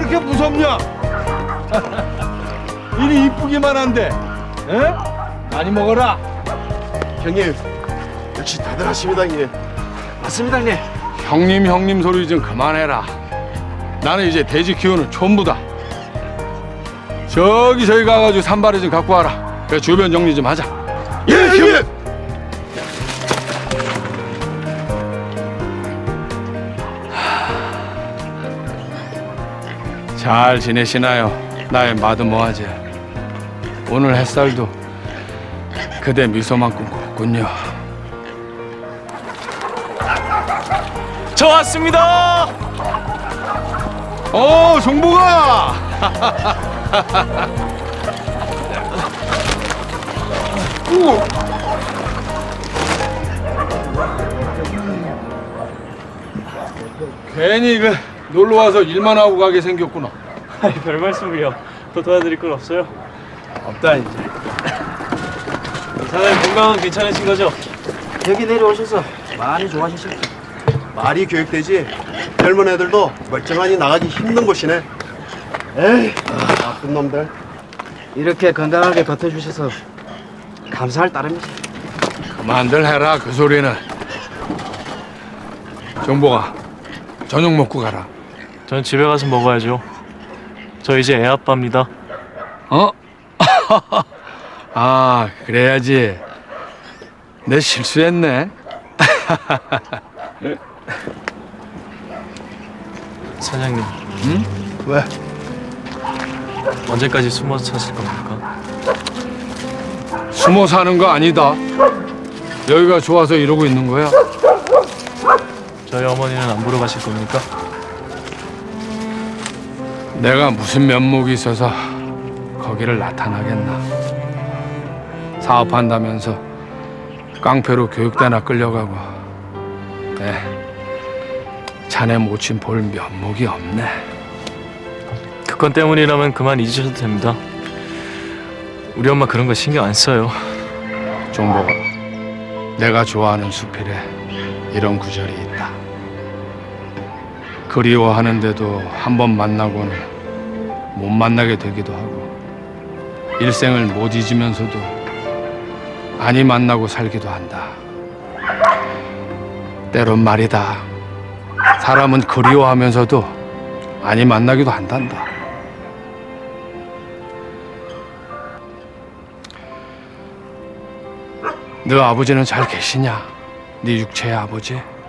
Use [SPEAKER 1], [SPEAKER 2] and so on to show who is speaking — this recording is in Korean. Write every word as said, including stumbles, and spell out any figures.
[SPEAKER 1] 그렇게 무섭냐? 이리 이쁘기만 한데, 에? 많이 먹어라.
[SPEAKER 2] 형님, 역시 대단하십니다, 형님.
[SPEAKER 3] 맞습니다, 형님.
[SPEAKER 1] 형님 형님 소리 좀 그만해라. 나는 이제 돼지 키우는 촌부다. 저기 저기 가가지고 산발이 좀 갖고 와라. 그래 주변 정리 좀 하자.
[SPEAKER 2] 예, 형님.
[SPEAKER 1] 잘 지내시나요? 나의 마드모아제. 오늘 햇살도 그대 미소만큼 곱군요.
[SPEAKER 3] 저 왔습니다.
[SPEAKER 1] 어, 종복아. 괜히 그 놀러 와서 일만 하고 가게 생겼구나.
[SPEAKER 3] 아이, 별 말씀을요. 더 도와드릴 건 없어요.
[SPEAKER 1] 없다 이제.
[SPEAKER 3] 사장님 건강은 괜찮으신 거죠?
[SPEAKER 4] 여기 내려오셔서 많이 좋아하셨습니다.
[SPEAKER 2] 말이 교육되지. 젊은 애들도 멀쩡하니 나가기 힘든 곳이네. 에이, 나쁜 놈들.
[SPEAKER 4] 이렇게 건강하게 버텨주셔서 감사할 따름이죠.
[SPEAKER 1] 그만들 해라 그 소리는. 종복아, 저녁 먹고 가라.
[SPEAKER 3] 전 집에 가서 먹어야죠. 저 이제 애 아빠입니다.
[SPEAKER 1] 어? 아, 그래야지. 내 실수했네.
[SPEAKER 3] 사장님,
[SPEAKER 1] 응?
[SPEAKER 2] 왜?
[SPEAKER 3] 언제까지 숨어서 사실 겁니까?
[SPEAKER 1] 숨어 사는 거 아니다. 여기가 좋아서 이러고 있는 거야.
[SPEAKER 3] 저희 어머니는 안 보러 가실 겁니까?
[SPEAKER 1] 내가 무슨 면목이 있어서 거기를 나타나겠나. 사업한다면서 깡패로 교육대나 끌려가고. 네, 자네 모친 볼 면목이 없네.
[SPEAKER 3] 그 건 때문이라면 그만 잊으셔도 됩니다. 우리 엄마 그런 거 신경 안 써요.
[SPEAKER 1] 종복아, 내가 좋아하는 수필에 이런 구절이 있다. 그리워하는데도 한 번 만나고는 못 만나게 되기도 하고, 일생을 못 잊으면서도 아니 만나고 살기도 한다. 때론 말이다, 사람은 그리워하면서도 아니 만나기도 한단다. 너 아버지는 잘 계시냐? 네 육체의 아버지?